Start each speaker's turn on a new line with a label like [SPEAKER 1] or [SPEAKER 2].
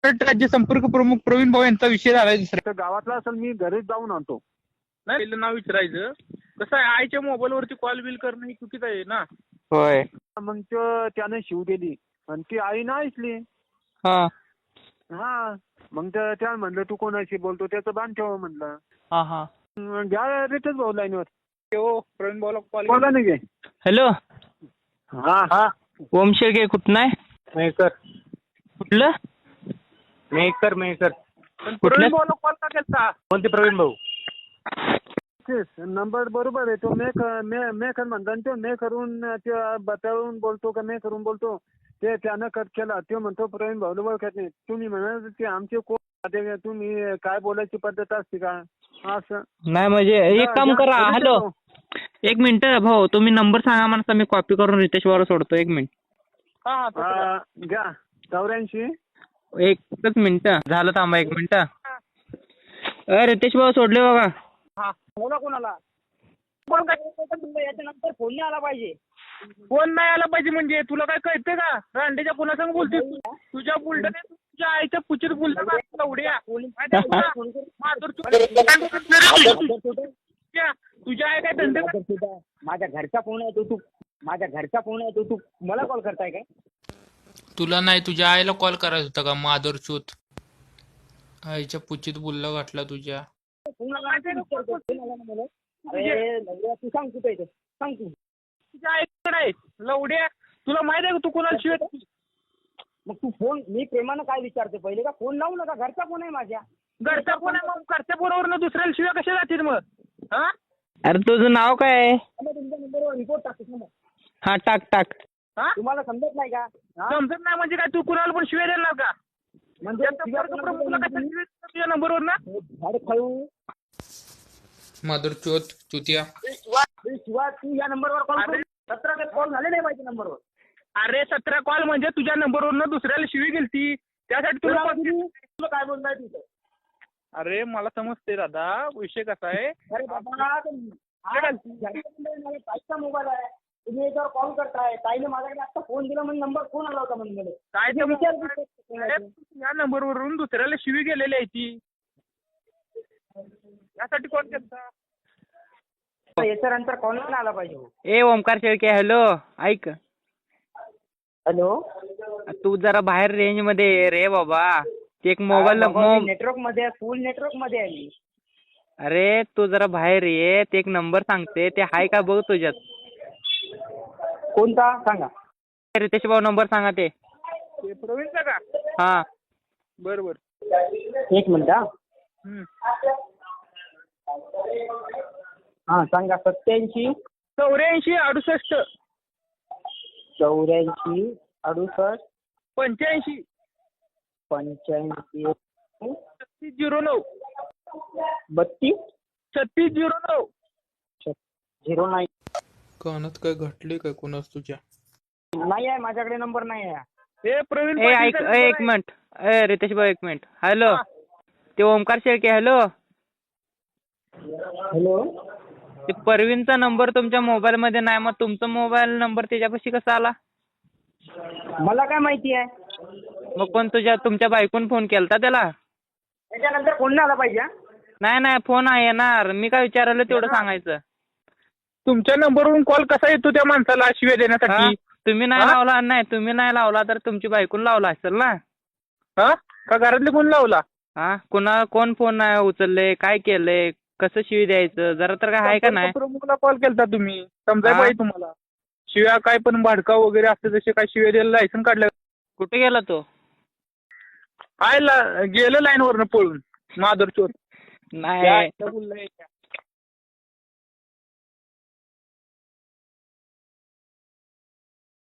[SPEAKER 1] राज्य संपर्क प्रमुख प्रवीण भाऊ यांचा विषय झालाय दुसरा.
[SPEAKER 2] तर गावातला असेल, मी घरीच जाऊन आणतो.
[SPEAKER 1] नाही पहिलं नाव विचारायचं. कसं आहे, आईच्या मोबाईलवरती कॉल बिल करणं ही चुकीचं आहे ना.
[SPEAKER 3] होय.
[SPEAKER 2] मग त्याने शिव दिली आणि ती आई ना ऐकली.
[SPEAKER 3] हा
[SPEAKER 2] हा मग त्या म्हणलं तू कोणाशी बोलतो, त्याचं बांध ठेव म्हणलं.
[SPEAKER 3] हा हा.
[SPEAKER 2] घ्या रितेश भाऊ लाईनवर.
[SPEAKER 1] हो प्रवीण भाऊला कॉल
[SPEAKER 2] बोला नाही गे.
[SPEAKER 3] हॅलो,
[SPEAKER 2] हा हा.
[SPEAKER 3] ओम शेळके कुठं आहे?
[SPEAKER 2] मेकर
[SPEAKER 3] कुठलं?
[SPEAKER 2] Maker maker.
[SPEAKER 1] प्रवीण भाऊला कॉल का केलता?
[SPEAKER 2] कोणते प्रवीण भाऊ? नंबर बरोबर आहे. तो मेकर म्हणता, तो मे करून ते बतावून बोलतो का मे करून बोलतो, ते त्यानं कट केला. तो म्हणतो प्रवीण भाऊला ओळखत नाही. तुम्ही म्हणा ते आमचे कोण, तुम्ही काय बोलायची पद्धत असते का असं?
[SPEAKER 3] नाही म्हणजे एक काम करा. हॅलो, एक मिनिट भाऊ, तुम्ही नंबर सांगा मला, मी कॉपी करून रितेश भाऊला सोडतो. एक मिनिट.
[SPEAKER 2] हा घ्या. 84.
[SPEAKER 3] एकच मिनिट झालं, थांबा एक मिनिट. रितेश भाऊ सोडले बघा.
[SPEAKER 1] हा
[SPEAKER 4] बोला कोणाला? कोण काय याच्यानंतर फोन नाही आला पाहिजे.
[SPEAKER 1] फोन नाही आला पाहिजे म्हणजे तुला काय कळतंय का? रांडेच्या पुन्हा बोलते तुझ्या बुलढाण्यात तुझ्या आईच्या पुचित बोलतो का उड्या? तुझ्या आई काय धंदे?
[SPEAKER 4] माझ्या घरचा फोन आहे, तू माझ्या घरचा फोन आहे, तू मला कॉल करताय काय?
[SPEAKER 5] तुला नाही, तुझ्या आईला कॉल करायचा होता का? माधुरच्युत आईच्या पुचित बुल्ला घातला तुझ्या.
[SPEAKER 4] अरे तू सांग कुठे येते, सांग तू.
[SPEAKER 1] तुझ्या आईकडे आहे लवड्या. तुला माहित आहे का तू कोणाला शिवाय?
[SPEAKER 4] मग तू फोन, मी प्रेमानं काय विचारते पहिले का फोन लावू नका, घरचा फोन आहे माझ्या.
[SPEAKER 1] घरचा फोन आहे, मग घरच्या फोनवर दुसऱ्याला शिवाय कशा जातील मग? हा
[SPEAKER 3] अरे तुझं नाव काय आहे?
[SPEAKER 4] तुमच्या नंबरवर रिपोर्ट टाकतो.
[SPEAKER 3] हा टाक टाक.
[SPEAKER 1] हा
[SPEAKER 4] तुम्हाला समजत नाही का?
[SPEAKER 1] समजत नाही म्हणजे काय? तू कुणाला पण शिवाय देणार का?
[SPEAKER 4] म्हणजे
[SPEAKER 1] तुझ्या नंबरवर ना
[SPEAKER 4] झाड खाऊ
[SPEAKER 5] माधुरच्युत चुतिया.
[SPEAKER 4] शिवाय तू या नंबरवर कॉल करू. 17 कॉल झाले नाही माझ्या नंबरवर.
[SPEAKER 1] अरे 17 कॉल म्हणजे तुझ्या नंबरवरनं दुसऱ्याला शिवी गेलती, त्यासाठी तुला
[SPEAKER 4] तुला काय बोलताय तिथं?
[SPEAKER 1] अरे मला समजते दादा, विषय कसा आहे.
[SPEAKER 4] अरे बाबा, ताईचा मोबाईल आहे, तुम्ही याच्यावर कॉल करताय. ताईने माझ्याकडे आता फोन दिला म्हणजे नंबर फोन आला होता म्हणजे मला.
[SPEAKER 1] काय ते
[SPEAKER 4] विचार
[SPEAKER 1] या नंबरवरून दुसऱ्याला शिवी गेलेली आहे ती, यासाठी कॉल केलता.
[SPEAKER 4] याच्यानंतर कॉल नाही आला पाहिजे.
[SPEAKER 3] ए ओमकार शेळके, हॅलो ऐक.
[SPEAKER 4] हॅलो,
[SPEAKER 3] तू जरा बाहेर रेंज मध्ये ये रे बाबा. ते एक मोबाईल
[SPEAKER 4] नेटवर्क मध्ये, फुल नेटवर्क मध्ये आहे मी.
[SPEAKER 3] अरे तू जरा बाहेर ये. ते एक नंबर सांगते, ते हाय का बघ तुझ्यात.
[SPEAKER 4] कोणता सांगा?
[SPEAKER 3] रितेश भाऊ नंबर सांगा. ते
[SPEAKER 1] प्रवीणचा का?
[SPEAKER 3] हा
[SPEAKER 1] बरोबर.
[SPEAKER 4] एक मिनिट. हा सांगा. 87
[SPEAKER 1] 84 68
[SPEAKER 4] 84 68
[SPEAKER 1] 85
[SPEAKER 4] 85
[SPEAKER 1] 3609
[SPEAKER 4] 32
[SPEAKER 1] 3609
[SPEAKER 4] 09.
[SPEAKER 5] कानात काय घटले काय कोणाच तुझ्या?
[SPEAKER 4] नाही आहे माझ्याकडे, नंबर नाही आहे.
[SPEAKER 1] हे प्रवीण
[SPEAKER 3] ए ऐक, एक मिनिट. ए रितेश भाऊ एक मिनिट. हॅलो, ते ओमकार शेळके. हॅलो,
[SPEAKER 4] हॅलो,
[SPEAKER 3] ते परवीनचा नंबर तुमच्या मोबाईल मध्ये नाही, मग तुमचा मोबाईल नंबर त्याच्यापाशी कसा आला?
[SPEAKER 4] मला काय माहिती आहे?
[SPEAKER 3] मग कोण तुमच्या बायकोन फोन केलता त्याला?
[SPEAKER 4] त्याच्यानंतर फोन नाही आला पाहिजे.
[SPEAKER 3] नाही फोन आहे येणार. मी काय विचारलं तेवढं सांगायचं.
[SPEAKER 1] तुमच्या नंबरवरून कॉल कसा येतो त्या माणसाला शिव्या
[SPEAKER 3] हा?
[SPEAKER 1] देण्यासाठी?
[SPEAKER 3] तुम्ही नाही लावला. नाही तुम्ही नाही लावला तर तुमची बायकोन लावला असेल ना?
[SPEAKER 1] हा का घरातले कोण लावला?
[SPEAKER 3] हा कोण फोन नाही उचलले, काय केलंय, कसं शिवी द्यायचं, जरा तर काय आहे का नाही?
[SPEAKER 1] प्रमुखला कॉल केलता तुम्ही, समजाय
[SPEAKER 3] हा?
[SPEAKER 1] पाहिजे तुम्हाला. शिव्या काय पण भाडका वगैरे असते तसे काय शिव्या द्यायला लायसन काढलं?
[SPEAKER 3] कुठे गेला तो?
[SPEAKER 1] गेलं लाईन वरनं पळून माधुरचोर.
[SPEAKER 3] नाही